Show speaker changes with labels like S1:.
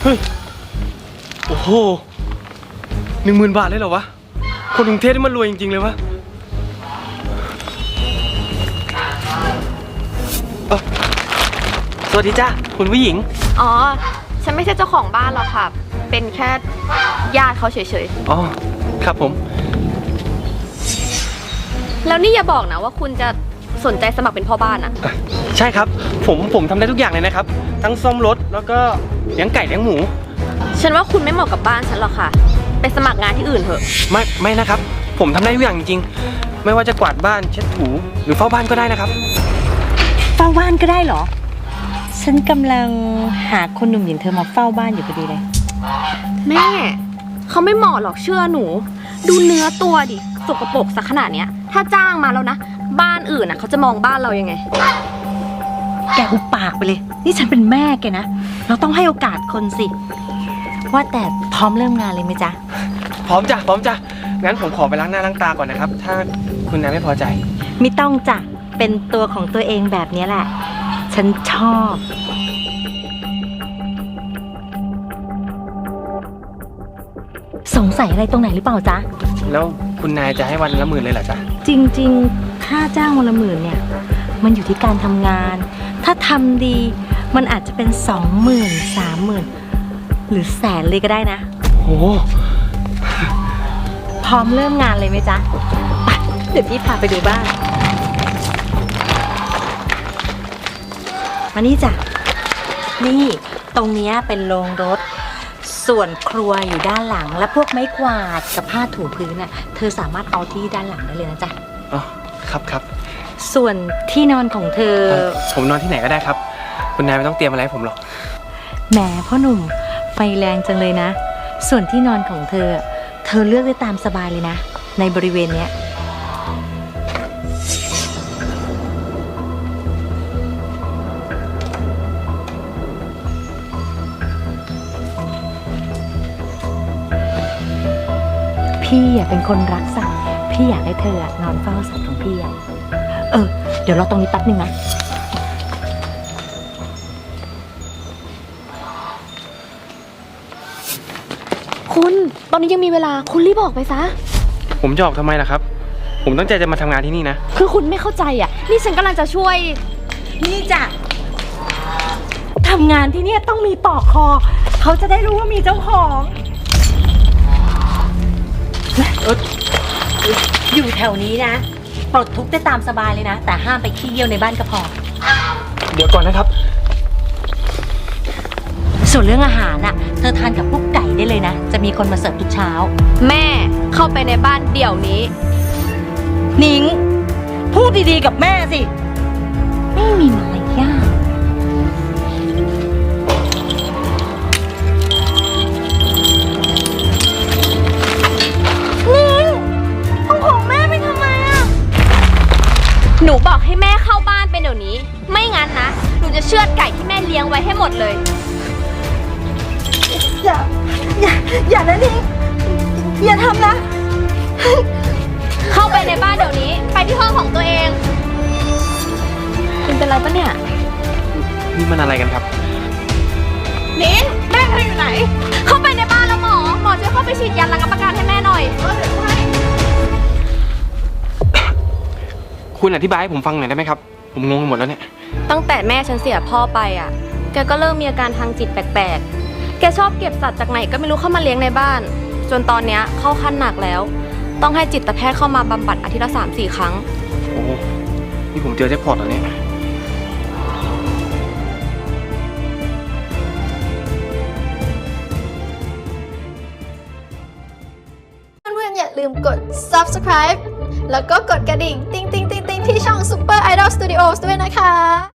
S1: เฮ้ยโอ้โห10,000 บาทเลยเหรอวะคนกรุงเทพนี่มันรวยจริงๆเลยวะสวัสดีจ้าคุณผู้หญิง
S2: อ๋อฉันไม่ใช่เจ้าของบ้านหรอกค่ะเป็นแค่ญาติเขาเฉย
S1: ๆอ๋อครับผม
S2: แล้วนี่อย่าบอกนะว่าคุณจะสนใจสมัครเป็นพ่อบ้านอะ
S1: ใช่ครับผมทำได้ทุกอย่างเลยนะครับทั้งซ่อมรถแล้วก็เลี้ยงไก่เลี้ยงหมู
S2: ฉันว่าคุณไม่เหมาะกับบ้านฉันหรอกค่ะไปสมัครงานที่อื่นเถอะ
S1: ไม่นะครับผมทำได้ทุกอย่างจริงๆไม่ว่าจะกวาดบ้านเช็ดถูหรือเฝ้าบ้านก็ได้นะครับ
S3: เฝ้าบ้านก็ได้เหรอฉันกำลังหาคนหนุ่มอย่างเธอมาเฝ้าบ้านอยู่พอดีเลย
S2: แม่เขาไม่เหมาะหรอกเชื่อหนูดูเนื้อตัวดิสกปรกสักขนาดเนี้ยถ้าจ้างมาแล้วนะบ้านอื่นน่ะเขาจะมองบ้านเรายังไง
S3: แกหุบปากไปเลยนี่ฉันเป็นแม่แกนะเราต้องให้โอกาสคนสิว่าแต่พร้อมเริ่มงานเลยไหมจ๊ะ
S1: พร้อมจ้ะงั้นผมขอไปล้างหน้าล้างตาก่อนนะครับถ้าคุณนายไม่พอใจ
S3: ไม่ต้องจ้ะเป็นตัวของตัวเองแบบนี้แหละฉันชอบสงสัยอะไรตรงไหนหรือเปล่าจ๊ะ
S1: แล้วคุณนายจะให้วันละ10,000เลยเหรอจ๊ะ
S3: จริงๆค่าจ้างวันละ10,000เนี่ยมันอยู่ที่การทำงานถ้าทำดีมันอาจจะเป็น20,000 30,000หรือแสนเลยก็ได้นะ
S1: โอ้
S3: พร้อมเริ่มงานเลยไหมจ๊ะไปเดี๋ยวพี่พาไปดูบ้านมานี่จ้ะนี่ตรงนี้เป็นโรงรถส่วนครัวอยู่ด้านหลังและพวกไม้กวาดกับผ้าถูพื้นน่ะเธอสามารถเอาที่ด้านหลังได้เลยนะจ๊ะ
S1: อ๋อครับ
S3: ส่วนที่นอนของเธอ
S1: ผมนอนที่ไหนก็ได้ครับคุณนายไม่ต้องเตรียมอะไรให้ผมหรอก
S3: แหมพ่อหนุ่มไฟแรงจังเลยนะส่วนที่นอนของเธอเลือกได้ตามสบายเลยนะในบริเวณเนี้ยพี่เป็นคนรักสัตว์พี่อยากให้เธอนอนเฝ้าสัตว์ของพี่เดี๋ยวรอตรงนี้แป๊บนึงนะ
S2: คุณตอนนี้ยังมีเวลาคุณรีบออกไปซะ
S1: ผมจะออกทำไมล่ะครับผมตั้งใจจะมาทำงานที่นี่นะ
S2: คือคุณไม่เข้าใจอ่ะนี่ฉันกำลังจะช่วย
S3: นี่จ้ะทำงานที่นี่ต้องมีปลอกคอเขาจะได้รู้ว่ามีเจ้าของอยู่แถวนี้นะปลดทุกข์ได้ตามสบายเลยนะแต่ห้ามไปขี้เยี่ยวในบ้านก็พอ
S1: เดี๋ยวก่อนนะครับ
S3: ส่วนเรื่องอาหารน่ะเธอทานกับพวกไก่ได้เลยนะจะมีคนมาเสิร์ฟทุกเช้า
S2: แม่เข้าไปในบ้านเดี๋ยวนี้
S3: นิ้งพูดดีๆกับแม่สิไม่มีมารยาท
S2: หนูบอกให้แม่เข้าบ้านเป็นเดี๋ยวนี้ไม่งั้นนะหนูจะเชือดไก่ที่แม่เลี้ยงไว้ให้หมดเลย
S3: อย่านะนิ้งอย่าทำนะ
S2: เข้าไปในบ้านเดี๋ยวนี้ไปที่ห้องของตัวเองคุณเป็นไรปะเนี่ย
S1: นี่มันอะไรกันครับ
S2: นิ้งแม่เธออยู่ไหนเข้าไปในบ้านแล้วหมอช่วยเข้าไปฉีดยาระงับอาการให้แม่หน่อย
S1: คุณอธิบายให้ผมฟังหน่อยได้ไหมครับผมงงหมดแล้วเนี่ย
S2: ตั้งแต่แม่ฉันเสียพ่อไปอ่ะแกก็เริ่มมีอาการทางจิตแปลกๆแกชอบเก็บสัตว์จากไหนก็ไม่รู้เข้ามาเลี้ยงในบ้านจนตอนเนี้ยเข้าขั้นหนักแล้วต้องให้จิตแพทย์เข้ามาบำบัดอาทิตย์ละ 3-4 ครั้ง
S1: โอ้นี่ผมเจอแจ็คพอตแล้วเนี่ย
S4: เพื่อนๆอย่าลืมกด subscribe แล้วก็กดกระดิ่งติ๊งๆๆๆที่ช่อง Super Idol Studios ด้วยนะคะ